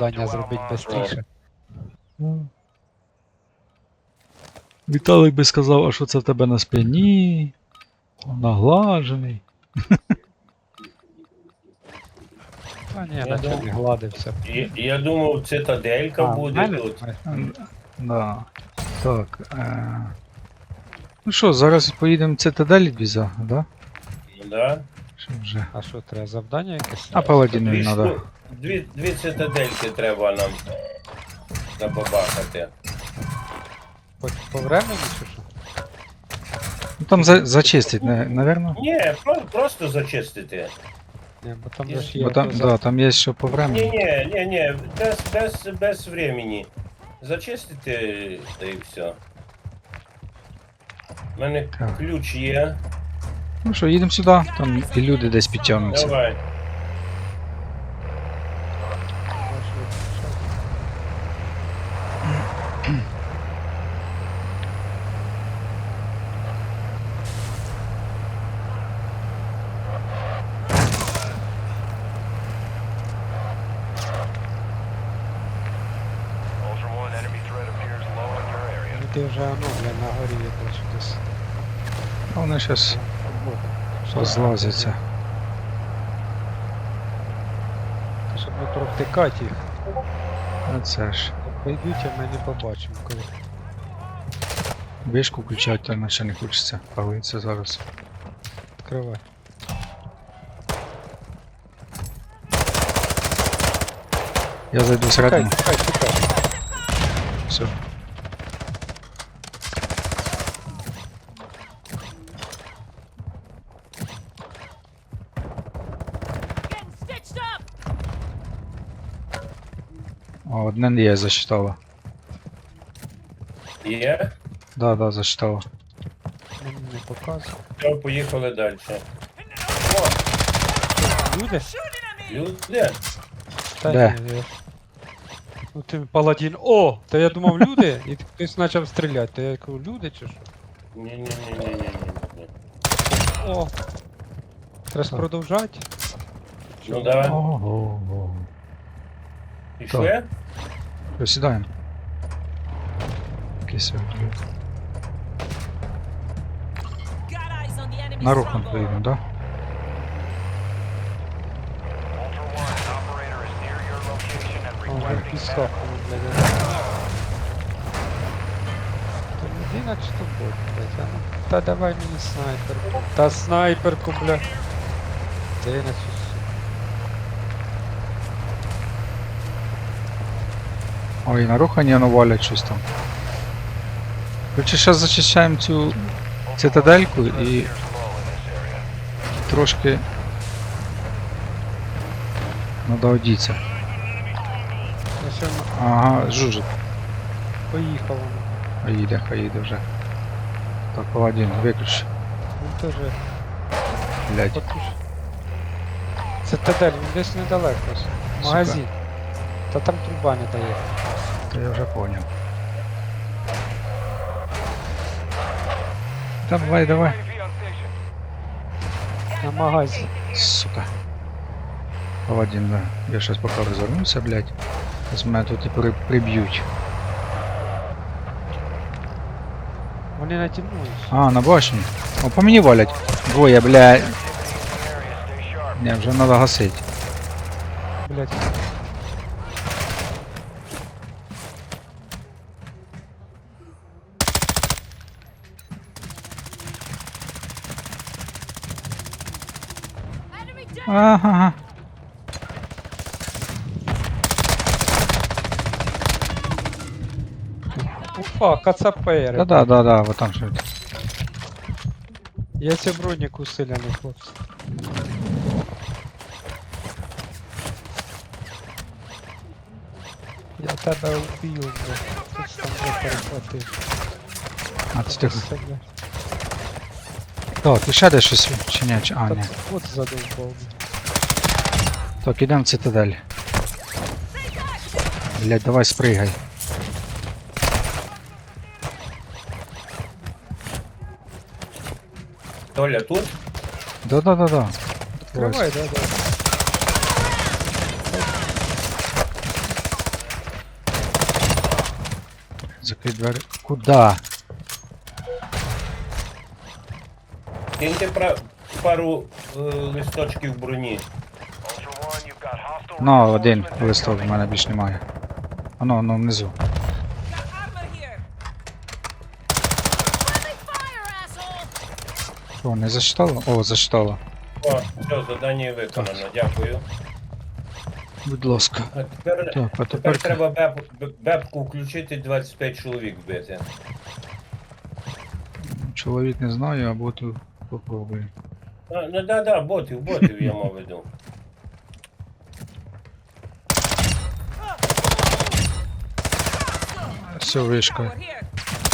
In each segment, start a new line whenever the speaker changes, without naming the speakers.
завдання зробити швидше.
Віталик би сказав, а що це в тебе на спині? Наглажений.
А ні,
Я
наче
думав-
не гладився.
Я думав, цитаделька
А, в
буде
мене?
тут.
Да. Так. Ну що, зараз поїдемо в цитадель віза, да?
Ну, да?
Що вже?
А що, треба завдання якесь?
А паладіну
Дві,
не треба.
дві цитадельки треба нам набабахати.
По времени чи що?
Ну там зачистить, наверно.
Ні, просто зачистити.
Ні, бо там же ж є.
Бо там, да, там є що по времени.
Ні, без времени. Зачистити, та і все. У мене
Так.
ключ є.
Ну що, їдемо сюди, там і люди десь підтягнуться.
Давай.
Ultra One, enemy threat appears low in your area.
Люди вже, ну, бля, на горі я бачу десь.
А вони зараз
Що
злазяться.
Щоб не провтикати їх.
А це ж.
Прийдуть, а ми не побачимо коли.
Вишку включати, то наче не хочеться. Палиться зараз.
Відкривай.
Я зайду всередину.
Тікай.
Все.
Getting stitched up!
О, одне є, засчитала.
Є?
Да, засчитала.
Мені не показує.
Все, поїхали далі.
Люди?
Люди?
Та
Де?
ні, я- Ну ти паладін. О! Та я думав люди, і хтось почав стріляти. То я кажу, люди чи що?
Ні.
О! Треба ж
Так.
продовжати.
Ну давай.
Ого.
Пішли?
Присідаємо. Якийсь вигляд.
Got eyes on the enemy
На руку
stronghold.
поїдемо, да?
Ultra One, an operator is near your location and
О, вже
requesting
пісок,
backup.
ну, блядь. То людина чи то бот, блядь, а ну. Та давай мені снайперку. Та снайперку, блядь. Де я на цю
Ой, на рухані воно валять щось там. Короче, зараз зачищаємо цю цитадельку і
Appears low in this area.
трошки надо одіться.
Я ще
Ага, жужик.
поїхав воно.
Хай їде вже. Так, паладін, виключ.
Він теж
Блядь.
потуш. Цитадель, він десь недалеко. Магазин. Та там труба не дає.
Та я вже поняв. Давай.
UAV on station.
На магазі.
Сука. Паладін, да. Я щас поки розвернуся, блядь. Зараз мене тут і приб'ють.
Вони натягнулись.
А, на башні. О, по мені валять. Двоє, блядь.
Area, stay sharp.
Не, вже треба гасити.
Блять.
Enemy down!
Ага.
Уфа, кацапери.
Да, вот там що.
Я цей бронік усилений, хлопці. Я тебе вб'ю, бля. Ти ж там вже перехватив.
А, це тихо.
Все, бля.
Так, і ще десь щось чи ні? А,
Та
ні.
от задовбав.
Так, ідемо в цитадель. Блядь, давай спригай.
Толя тут?
Да.
Відкривай, да.
Закрий двері. Куда?
Киньте пару листочків броні.
Ultra One, you've got hostile
Ну, один
reinforcements
листок, в
incoming.
мене більш немає. Воно внизу.
Got armor here. Friendly fire, asshole.
Що, не зачитало? О, зачитало.
О, все, завдання виконано, дякую.
Будь ласка.
А тепер,
Так, а
тепер
тепер
треба бебку включити, 25 чоловік вбити.
чоловік не знаю, або тут попробую.
Ну да, ботів я мав веду.
Все, вишка.
Tower here.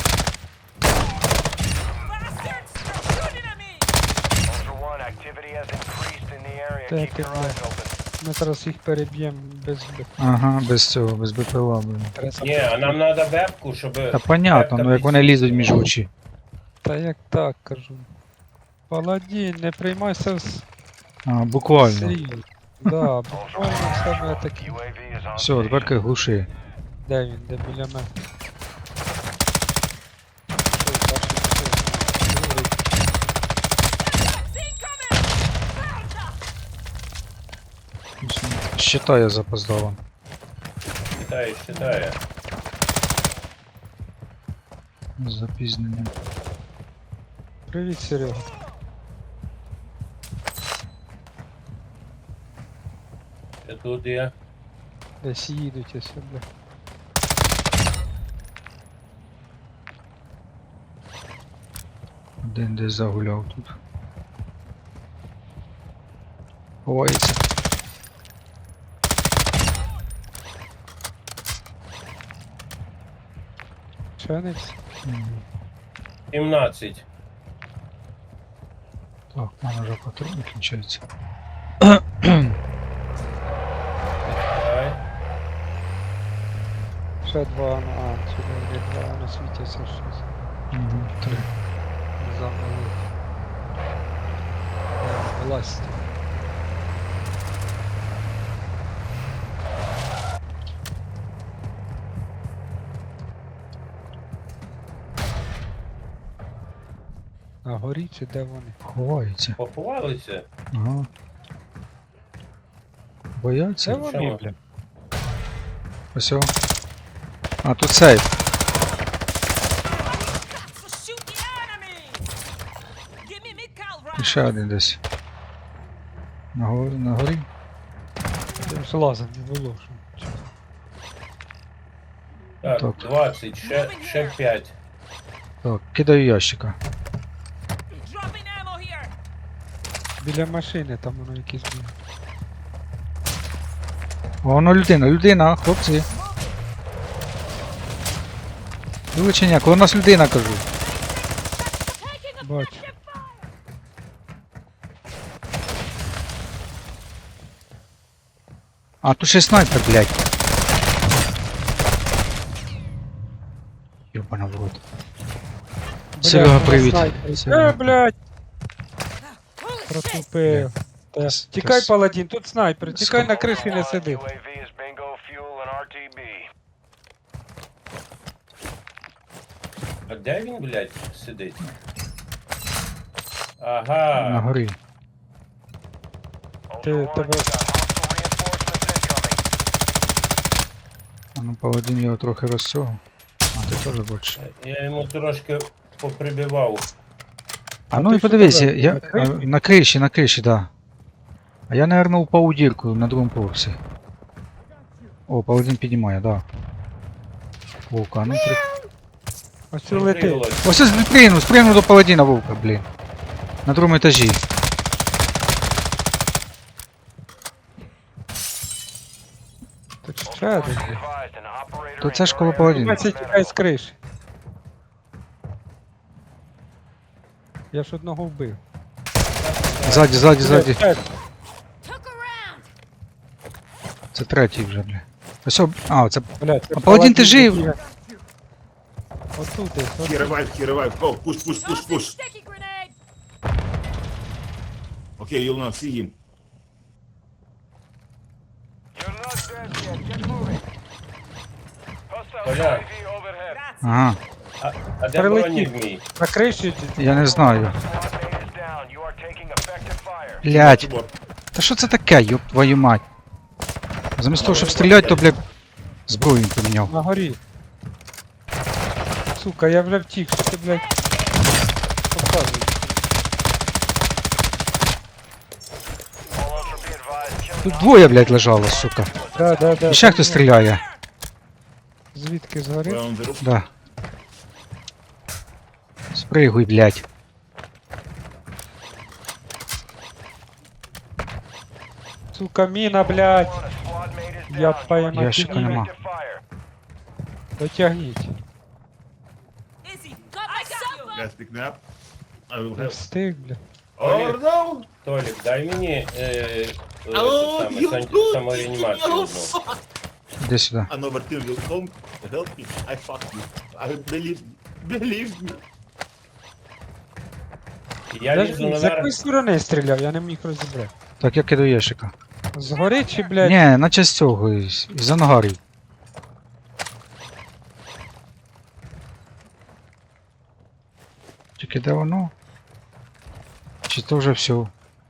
Bastards! Shooting at me!
Ultra One, activity has increased in the area.
Так,
Keep your
так.
eyes open.
Ми зараз їх переб'ємо без
Ага, без цього, без БПЛА, блин.
Ні, а нам треба бебку, щоб...
Та понятно, ну як вони лізуть між очі.
Та як так кажу. Паладін, не приймайся
А, буквально.
всерйоз. Да, буквально саме таке.
UAV is on
Все, тепер глуши.
Де він? Де біля мене?
Считаю запоздало.
Читає.
З запізненням.
Привіт, Серега.
Ще тут є.
Десь їдуть ось сюди.
Один десь загуляв тут. Ховається.
Ченець?
17.
Так, в мене вже патрони кінчаються.
Давай.
Ще два, ну, сюди є два, на світяться щось.
Угу, 3.
Замали. Власть. На горі чи де вони?
Ховається.
Поховалися?
Ага.
Це
Бояться?
вони,
Чому?
бля.
Ось о. А, тут сейф.
So shoot the enemy! Give me mid-cal
І
round!
ще один десь. На горі?
Тим злазом не було. що.
Так,
Так.
20, ще 5.
Так, кидаю ящика.
Dropping ammo here!
Біля машини там воно якісь було.
О, воно людина, хлопці. Вилучення, коли у нас людина, кажу.
Taking
Бачу.
effective fire!
А, тут ще снайпер, блядь. Ёбана в рот. Серега, привіт. Серега.
Блядь,
Holy shit!
протупив. Та,
Тас-
Тікай,
тас-
паладін, тут снайпер, тікай на
Ultra
криші не
One,
сиди.
UAV is bingo fuel and RTB.
А де він, блядь, сидить?
На
Ага.
горі.
Ultra
Ти-
One,
тебе-
you've got hostile reinforcements incoming.
А ну паладин його трохи розцього. А, ти теж бачиш.
Я йому трошки поприбивав.
А ну
ти
і
що
подивись,
казав,
я,
на криші?
на криші, да. А я, наверное, упав у дірку на другому поверсі. О, паладин піднімає, да. Вовка, а ну при...
Ось це летить.
Прикрилось.
Ось я спригнув до паладина вовка, блін. На другому етажі.
Тут ще
Ultra One,
один.
be advised, an operator
То
in
це ж
your
коло
area
паладина.
is
Це тікай з криші. Я ж одного вбив.
Ззаді.
Took a round!
Це третій вже, бля. Ось, а, це...
Блядь, це
А паладін, ти жив?
такий. Отут десь,
He
отут.
revived, he revived. Go, push, push, push,
Tossing
push.
sticky grenade!
Okay, you'll not see him.
You're not dead yet. Get moving. Hostile
Коля.
UAV overhead.
Ага,
А де
Прилетів.
бронік мій?
На криші
я не знаю.
Squad mate is down. You are taking effective fire.
Блять,
Чебор.
та що це таке, ёб твою мать? Замість того, щоб стріляти, то, блядь, зброю він поміняв.
на горі. Сука, я вже втік, що ти, блядь, показуєш.
All Ultra be advised. Killing
Тут двоє, блядь, лежало, сука.
Да.
І ще хтось стріляє.
Звідки згори?
We're on the roof.
Да. Спригуй, блядь.
Сука, міна, блядь.
one, a squad mate is
Я
down. You
пойму,
are
Ящика
taking
нема.
effective fire.
Дотягніть.
Izzy, got my supper.
Guys, pick me up. I will
Не
have...
встиг, бля.
Oh no!
Толік, дай мені
Oh, you
самореанімацію
you
одну.
fuck!
Іди сюди.
Another team will come help me. I fuck you. I believe me.
Я
З
лізу
якої
наверх.
сторони стріляв, я не міг розібрати.
Так, я кидаю ящика.
Згори чи, блядь?
Ні, наче з цього, із ангарів. Тільки де воно? Чи то вже все?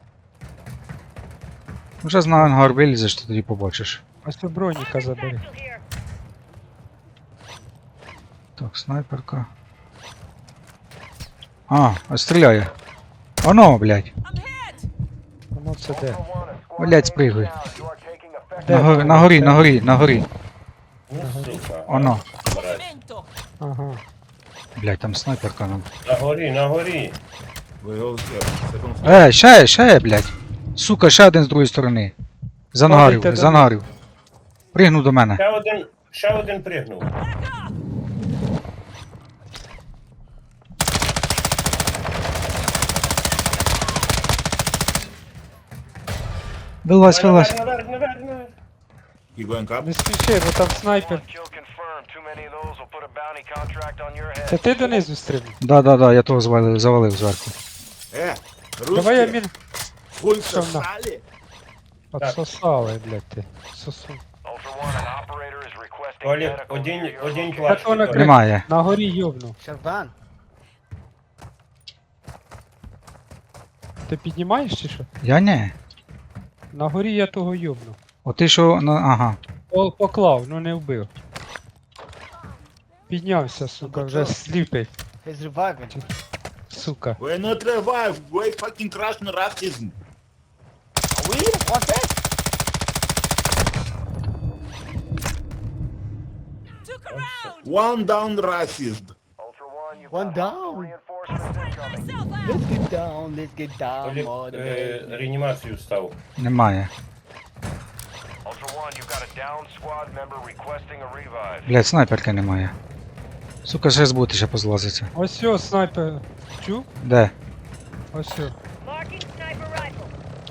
Вже на ангар вилізеш, то тоді побачиш.
Ось у броніка забери.
Так, снайперка. А стріляє. Оно, блядь.
I'm hit.
Воно це де?
Ultra One, a squad
Блядь,
mate is
спригуй.
down. You are taking effective
Де?
На горі.
Ну, сука.
Оно.
Брать.
Momento.
Ага.
Блядь, там снайперка нам.
На горі.
We all here. Second floor.
Ще, блядь. Сука, ще один з другої сторони. З ангарів,
Падайте
з
до
ангарів. Пригнув до мене.
Ще один пригнув.
Вилазь.
Наверх.
Keep going up.
Не спіши, бо там снайпер.
One kill confirmed. Too many of those will put a bounty contract on your head.
Це ти донизу стрибнув?
Да, я того завалив зверху.
Давай я
Русские.
мін...
Хуй
Що на?
сосали.
Отсосали, блядь, ти. Сосу.
Ultra One, an operator is requesting
Толік,
medical
один
near your location.
плащ.
Так вона
Толік.
Немає.
На горі йобнув.
Шерван,
Ти піднімаєш чи що?
Я не.
На горі я того йобнув.
О ти що, ага.
Пол поклав, ну не вбив. Піднявся, сука, вже сліпий.
he's reviving.
Сука.
We're not revived. We fucking Russian racism.
We? What's that?
Took a round.
One down racist.
Ultra One, you've
One
got
down.
reinforcements incoming.
Myself out.
Let's get down,
Толік,
motherfucker.
реанімацію став.
Немає.
Ultra One, you've got a down squad member requesting a revive.
Блядь, снайперки немає. Сука, ще з боти ще позлазиться.
Ось сьо, снайпер. Чу?
Де?
Ось сьо.
Marking sniper rifle.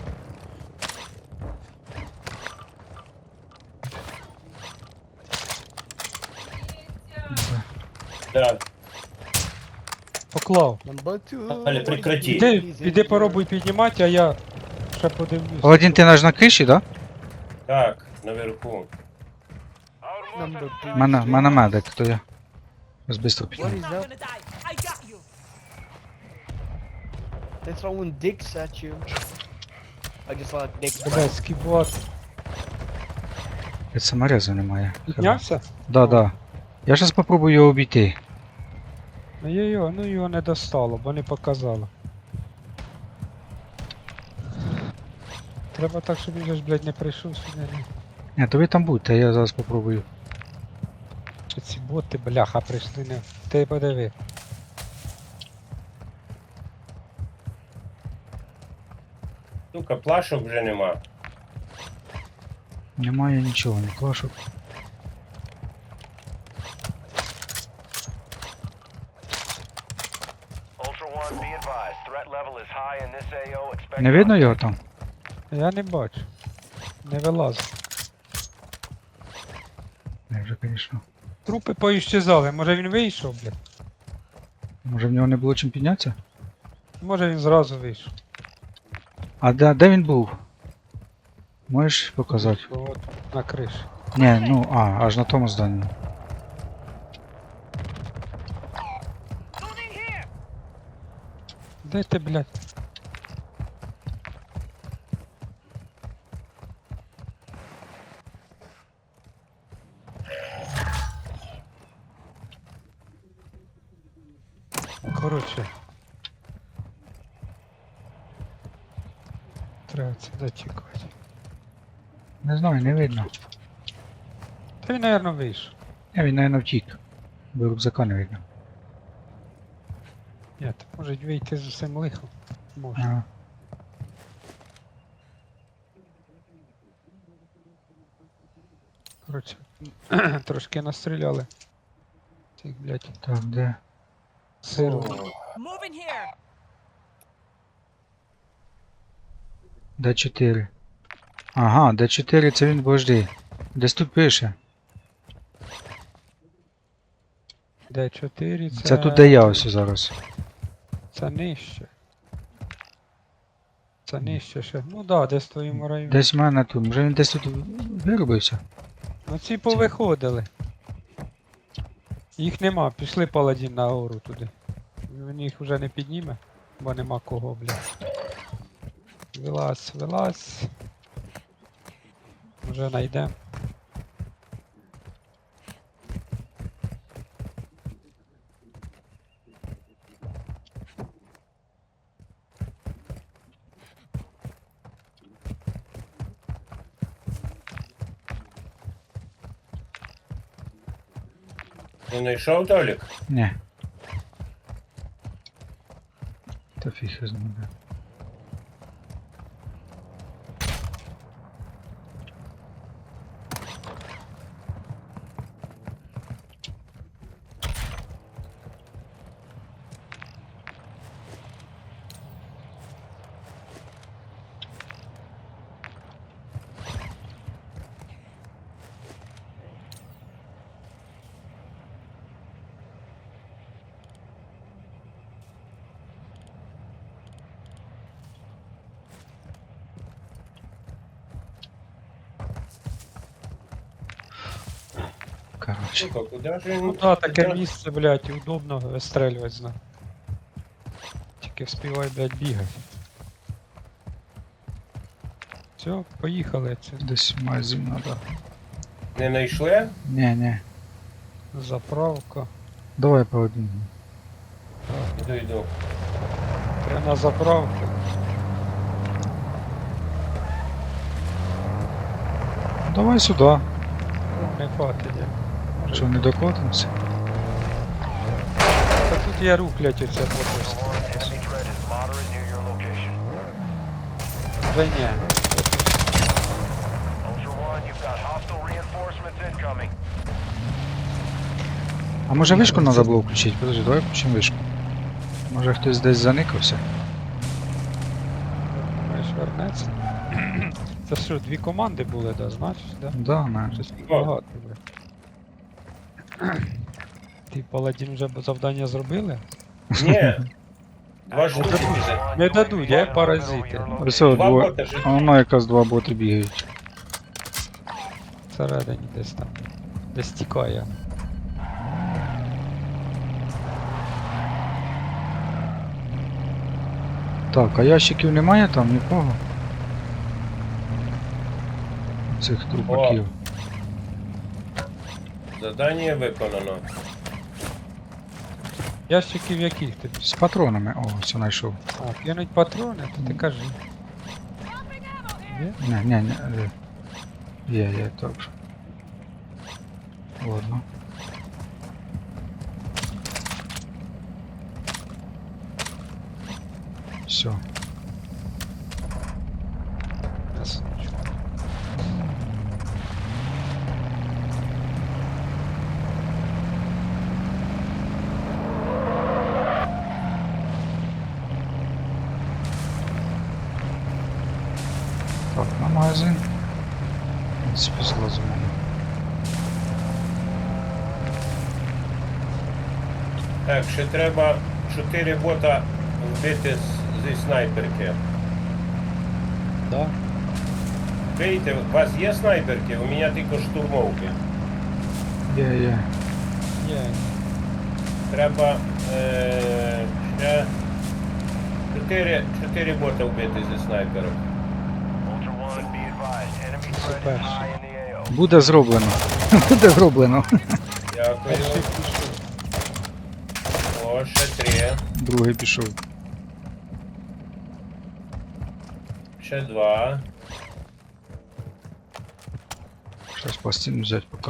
Да.
Поклав.
Number two.
Але прекрати.
Піди попробуй піднімати, а я ще подивлюсь.
Один ти наш на криші, да?
Так, наверху.
Number two.
Мене медик, то я. Ось бистро
What
підняв.
is
Not
that?
gonna die. I got you.
They're throwing dicks at you. I just saw dicks.
Блядь, скібот.
Блядь, саморезу немає.
Піднявся?
Да. Я зараз попробую його обійти.
Ну його не достало, бо не показало. Треба так, щоб він же ж, блядь, не прийшов сюди.
Ні, то ви там будьте, я зараз попробую.
Чи ці боти, бляха, прийшли не. Ти подиви.
Сука, плашок вже нема.
Немає нічого, ні клашок.
Ultra One, be advised. Threat level is high in this AO. Expect
Не видно його там?
Я не бачу. Не вилазить.
Не, вже, звісно.
Трупи поіщезали, може він вийшов, блядь?
Може в нього не було чим піднятися?
Може він зразу вийшов.
А де він був? Можеш показати?
От, на криші.
Ні, аж на тому зданні.
Де ти, блядь? Коротше. Треба це зачекати.
Не знаю, не видно.
Та він, наверно, вийшов.
Він, наверное, втік. Бо рюкзака не видно.
Ні, то можуть вийти з усім лихом. Може.
Ага.
Коротше, трошки настріляли. Цих, блядь,
Так, де?
сиру.
Moving here.
Д4. Ага, Д4 це він, подожди. Десь тут пише.
Д4 це...
Це тут, де я ось зараз.
Це нижче. Це нижче ще. Ну да, десь в твоєму районі.
Десь в мене тут. Може він десь тут виробився?
Ну ці повиходили. Їх нема, пішли паладін на гору туди. Він їх вже не підніме, бо нема кого, блядь. Вилазь, вилазь. Вже найдем.
Не знайшов, Толік?
Ні. Та фіг його знає. Коротше.
Сука, куди ж він?
Ну да, таке
куди?
місце, блядь, і удобно вистрелювати з ним. Тільки вспівай, блядь, бігати. Все, поїхали. Це
Десь магазин надо.
Не знайшли?
Ні.
заправка.
Давай по одному.
Йду.
Прямо на заправку.
Давай сюди.
Не хватить. я.
Що, не докотимося?
Та тут є рух, блядь, оце просто.
Ultra One, enemy threat is moderate near your location.
Вже ні.
Ultra One, you've got hostile reinforcements incoming.
А може вишку треба було включити? Подожди, давай включимо вишку. Може хтось десь заникався?
Маєш вернеться. Це що, дві команди були, да, значить, да?
Да, на.
Щось багато, блядь. Ти паладін вже завдання зробили?
Ні. Два штуки
Ultra
біжать.
One,
Не
you
дадуть,
will
я
be
паразити.
your location.
Ось
Два
двоє.
боти ж.
А воно якраз два боти бігають.
Всередині десь там. Десь тікає.
Так, а ящиків немає там нікого? Цих трупаків.
Задання виконано.
Ящиків яких тобі?
З патронами. О, все знайшов.
А, кинуть патрони, то ти кажи. Є?
Ні. Є, так. Ладно. Все.
Ясно.
Так, на магазин. В принципі, злазимо.
Так, ще треба 4 бота вбити зі снайперки.
Да?
Бейте, у вас є снайперки? У мене тільки штурмовки.
Є.
Є.
Треба ще чотири бота вбити зі снайпером.
Ultra One, be advised. Enemy threat
Super.
is high in the AO.
Буде зроблено. Буде зроблено.
Дякую. О, ще 3.
Другий пішов.
Ще 2.
Щас пластину взяти поки.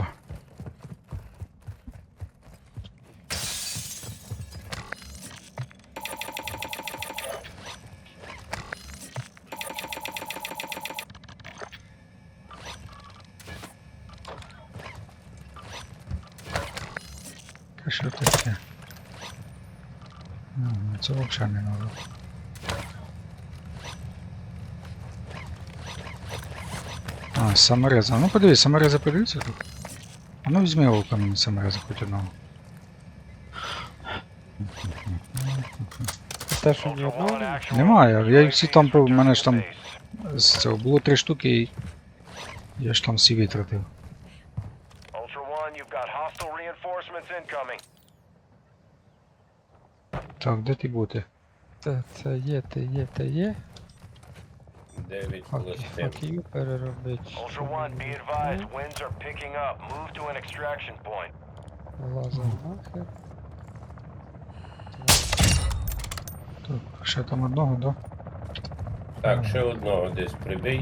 А що таке? Ну, це взагалі не надо. А, самореза. Ну подивись, самореза подивіться тут. А ну візьми його ко мені самореза хоч одного.
Те, що ні
Ultra
одного
One,
немає.
actual.
Немає, я всі там,
Retrieve
в мене ж там
base.
з цього було 3 штуки і я ж там всі витратив.
Ultra One, you've got hostile reinforcements incoming.
Так, де ти бути?
Це є, те є.
9 плюс 7.
Хакію переробить.
Ultra One, be advised. Winds are picking up. Move to an extraction point.
Лазер нахер.
Так, ще там одного, да?
Так, ще одного десь прибий.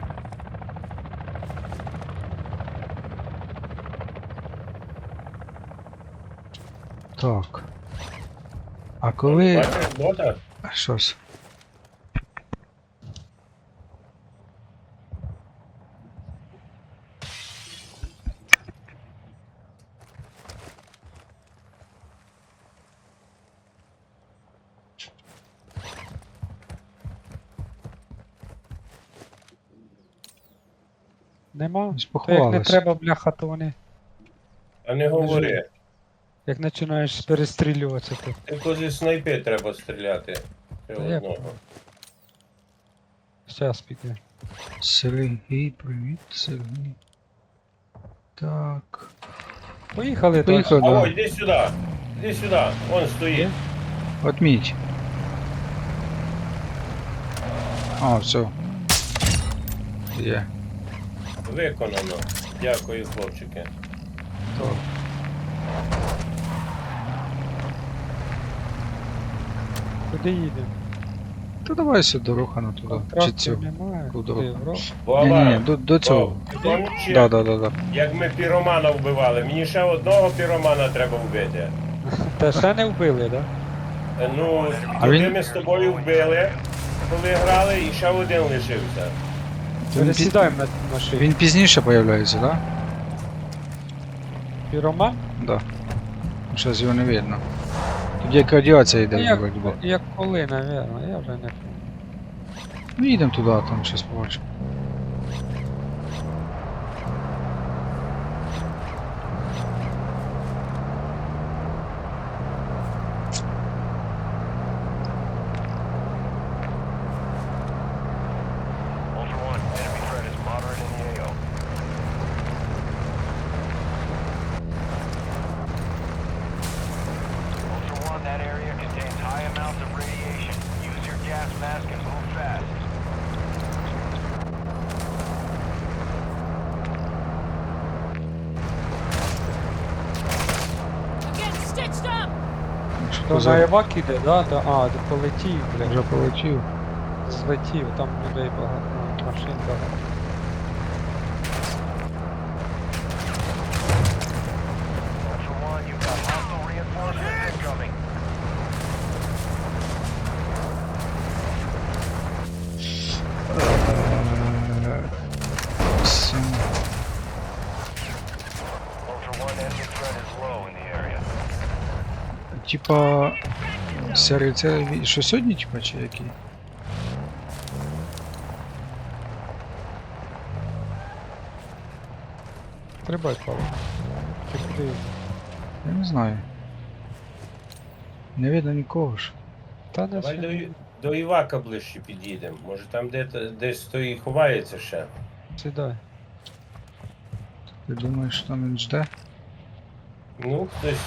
Так. А коли...
Бачиш бота?
Щось.
Нема?
Десь
То як не
поховались.
треба, бляха, то вони.
А не говори.
Як починаєш перестрілюватися, то.
Тільки зі снайпи треба стріляти. Ще
Та як?
одного.
Щас піде.
Сергій, привіт, Сергій. Так.
Поїхали,
Поїхали.
далі.
А
Да.
ой, іди сюди. Іди сюди. Вон стоїть.
Отміть. А, все. Є.
Виконано. Дякую, хлопчики.
Так.
Куди їдемо?
Та давай сюди рухану туди. Чи
Контрактів
цю.
немає.
Куди?
Куди? В рот?
Ні-ні-ні, до цього.
Вов, ти пам'ятаєш,
Да, да, да, да.
як ми піромана вбивали? Мені ще одного піромана треба вбити.
Та ще не вбили, так?
Ну,
А
тоді
він-
ми з тобою вбили, коли грали, і ще один лишився.
Пересідаємо на машину.
Він пізніше появляється, да?
Піроман?
Да. Зараз його не видно. Тут як радіація йде,
Як,
вроді би.
як коли, напевно, я вже не пам'ятаю.
Ну їдемо туди, а там щось побачимо.
Ultra One, enemy threat is moderate in the AO. Ultra One, that area contains high amounts of radiation. Use your gas mask and move fast.
Getting stitched up!
Що
То на
за...
Евак іде, да? А, де полетів,
Вже
блядь.
полетів.
Злетів, там людей багато, машин багато.
Ultra One, you've got hostile reinforcements incoming.
Сім.
Ultra One, enemy threat is low in the area.
Типа... Серій це що сьогодні, типа, чи який?
Стрибай, Павло. Чи куди?
Я не знаю. Не видно нікого ж.
Та не
Давай
все.
до Івака ближче під'їдемо. Може там десь той ховається ще.
Сідай.
Ти думаєш, що там він жде?
Ну, хтось.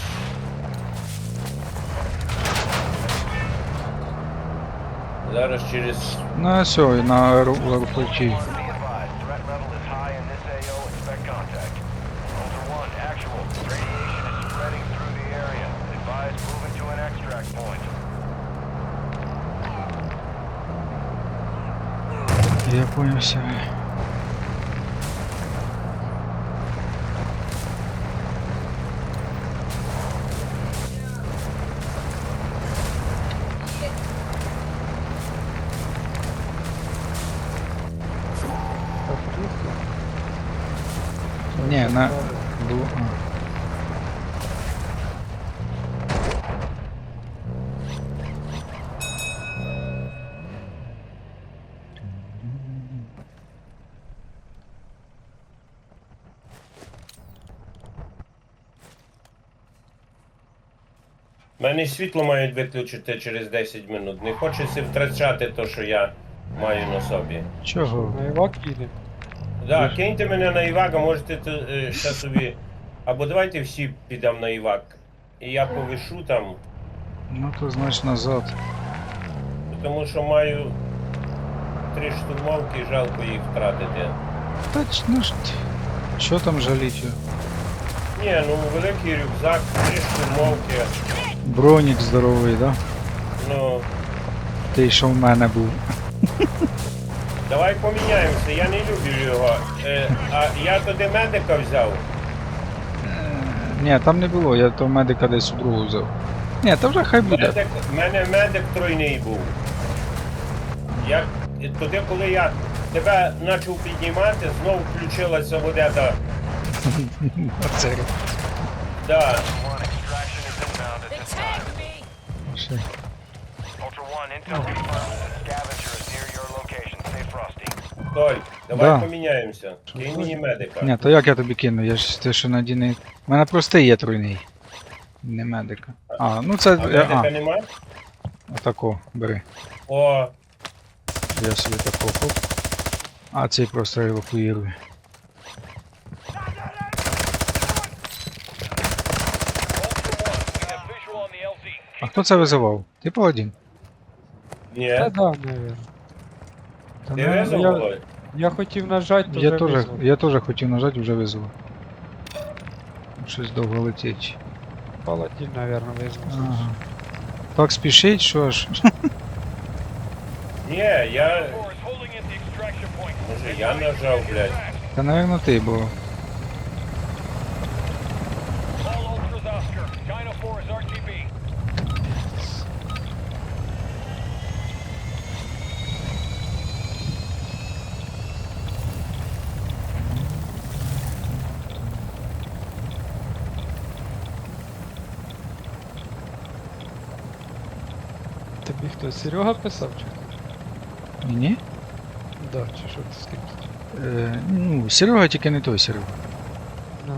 Зараз через...
На все, на аеропорті.
Be advised, threat level is high in this AO. Expect contact. Ultra One, actual. Radiation is spreading through the area. Advise moving to an extract point.
Я понял все.
Так, чисто.
Не, на... Було... А.
Мене світло мають виключити через 10 минут. Не хочеться втрачати те, що я маю на собі.
Чого?
На Івак їде.
Да, киньте мене на Івак, а можете ще собі. Або давайте всі підемо на Івак. І я повишу там,
Ну то значить назад.
тому що маю 3 штурмовки, жалко їх втратити.
Та ну ж... Що там жаліть?
Ні, ну великий рюкзак, 3 штурмовки.
Бронік здоровий, да?
Ну,
Той, що в мене був.
давай поміняємося, я не люблю його. А я туди медика взяв.
Ні, там не було, я то медика десь у другу взяв. Ні, та вже хай буде.
В мене медик тройний був. Я, туди, коли я тебе почав піднімати, знову включилася водета.
Оце.
Да.
One, extraction is inbound at
They
this time.
tagged me!
Ще.
Ultra One, intel confirms that scavenger is near your location. Stay frosty.
Толь, давай
Да.
поміняємося. Кинь мені медика.
Ні, то як я тобі кину? Я ж те, що надійний. У мене простий є тройний. Не медика. А, ну це.
А медика
А,
нема?
отако, бери.
О,
Я собі тако хоп. А цей просто евакуїрує.
Ultra One, we have visual on the LZ.
А хто це визивав? Ти паладін?
ні.
Та да, навірно. Та,
Ти
ну,
везов,
я,
Володь?
я хотів нажати, то
Я
вже
теж,
визвав.
я теж хотів нажати, вже визвав. Щось довго летить.
Паладін, навірно, визвав.
Ага. Так спішить, що ж.
Ні, я...
Four is holding at the extraction point.
Може я нажав, блядь.
Та, напевно, ти, бо
All Ultras Oscar. Dino 4 is RTB.
Тобі хто, Серега писав чи хто?
ні?
Да, чи що ти з ким?
Ну, Серега тільки не той Серега.
Ну.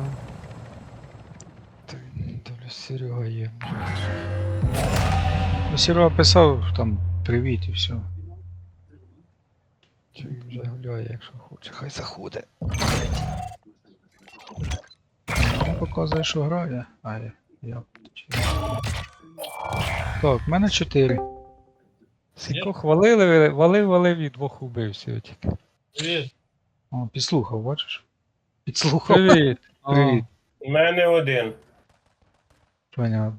Дивлюсь, Серега є.
Ну, Серега писав там привіт і все.
Чи він вже гуляє, якщо хоче, хай заходить.
Він показує, що грає. А я. Так, в мене 4.
Сіко хвалили, валив і двох убив всього тільки.
О, підслухав, бачиш? Підслухав.
Привіт!
Привіт.
У мене один.
Понятно.